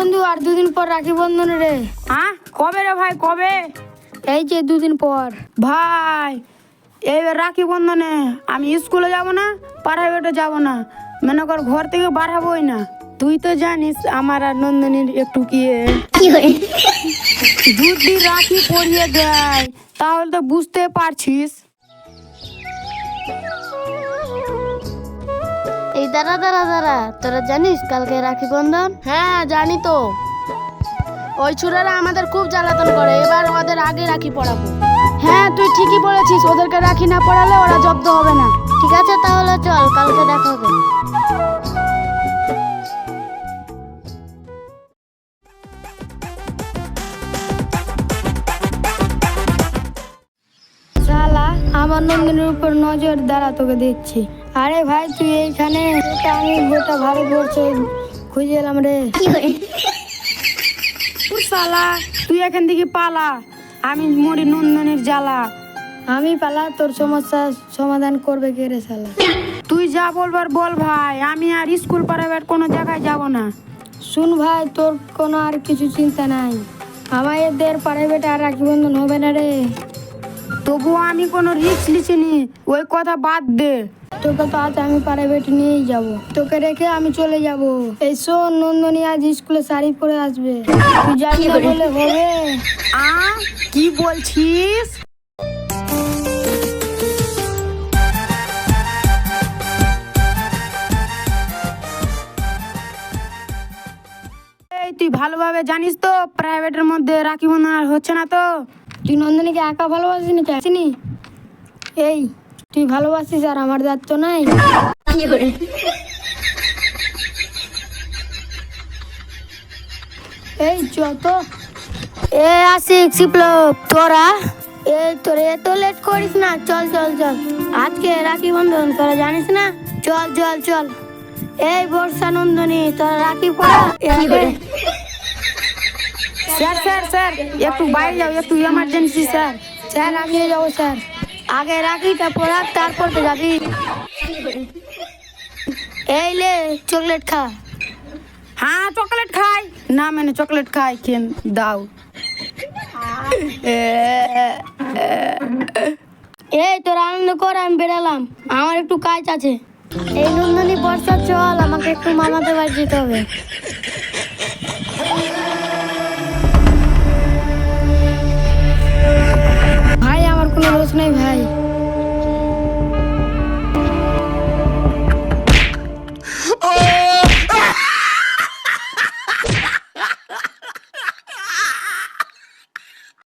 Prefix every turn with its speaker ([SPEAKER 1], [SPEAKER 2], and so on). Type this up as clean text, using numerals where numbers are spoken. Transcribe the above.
[SPEAKER 1] বন্ধু আর দুদিন পর রাখি বন্ধন রে।
[SPEAKER 2] হ্যাঁ কবে রে ভাই কবে?
[SPEAKER 1] এই যে দুদিন পর।
[SPEAKER 2] ভাই এইবার রাখি বন্ধনে আমি স্কুলে যাব না, প্রাইভেটে যাব না, মনে কর ঘর থেকে বার হবই না। তুই তো জানিস আমার আর নন্দনীর একটু যদি রাখি পরিয়ে দেয় তাহলে তো বুঝতে পারছিস।
[SPEAKER 1] এই দাঁড়া দাঁড়া দাঁড়া, তোরা জানিস কালকে রাখি বন্ধন?
[SPEAKER 3] হ্যাঁ জানি তো, ওই ছুরারা আমাদের খুব জ্বালাতন করে, এবার ওদের আগে রাখি পড়াবো।
[SPEAKER 1] হ্যাঁ তুই ঠিকই বলেছিস, ওদেরকে রাখি না পড়ালে ওরা জব্দ হবে না। ঠিক আছে তাহলে চল, কালকে দেখা হবে। শালা আমার নন্দিনীর উপর নজর দ্বারা তোকে দেখছি। আরে ভাই তুই এইখানে, এটা আমি গোটা ভারতবর্ষ খুঁজে এলাম রে।
[SPEAKER 2] শালা তুই এখান থেকে পালা, আমি মরি নন্দনের জ্বালা।
[SPEAKER 1] আমি পালা, তোর সমস্যার সমাধান করবে কে রে শালা?
[SPEAKER 2] তুই যা বলবার বল ভাই, আমি আর স্কুল প্রাইভেট কোনো জায়গায় যাব না।
[SPEAKER 1] শুন ভাই, তোর কোনো আর কিছু চিন্তা নাই, আমাদের প্রাইভেটে আর রাখি বন্ধন হবে না রে।
[SPEAKER 2] তবুও আমি কোনো রিস্ক লিখিনি, ওই কথা বাদ দে।
[SPEAKER 1] তোকে তো আজ আমি প্রাইভেট নিয়েই যাব, তোকে রেখে আমি চলে যাব। এই শোন, নন্দনী আজ স্কুলে শাড়ি পরে আসবে, তুই যাবি না বলে হবে?
[SPEAKER 2] কি বলছিস? এই তুই ভালোভাবে জানিস তো প্রাইভেটের মধ্যে রাখি বন্ধন আর হচ্ছে না তো?
[SPEAKER 1] তুই নন্দনীকে একা ভালোবাসিস না চাইছিনি? এই তুই ভালোবাসিস আর আমার দায়িত্ব নাই? এই যত এ আসিক শিপলব, তোরা তোরা এত লেট করিস না, চল চল চল, আজকে রাখি বন্ধন তোরা জানিস না? চল চল চল। এই বর্ষা নন্দনী, তোরা রাখি পড়া।
[SPEAKER 2] স্যার স্যার স্যার একটু বাইরে যাও, একটু এমার্জেন্সি স্যার।
[SPEAKER 1] স্যার আমিও যাবো স্যার। আগে রাখিটা পড়া, তারপর তো যাবি। এই লে চকলেট খা।
[SPEAKER 2] হ্যাঁ চকলেট খাই না, মানে চকলেট খাই, কেন দাও।
[SPEAKER 1] এই তোর আনন্দ কর, আমি বেরালাম, আমার একটু কাজ আছে। এই নন্দনী বর্ষা, চল আমাকে একটু মামাদের বাড়ি যেতে হবে। ভাই আমার কোনো দোষ নেই ভাই।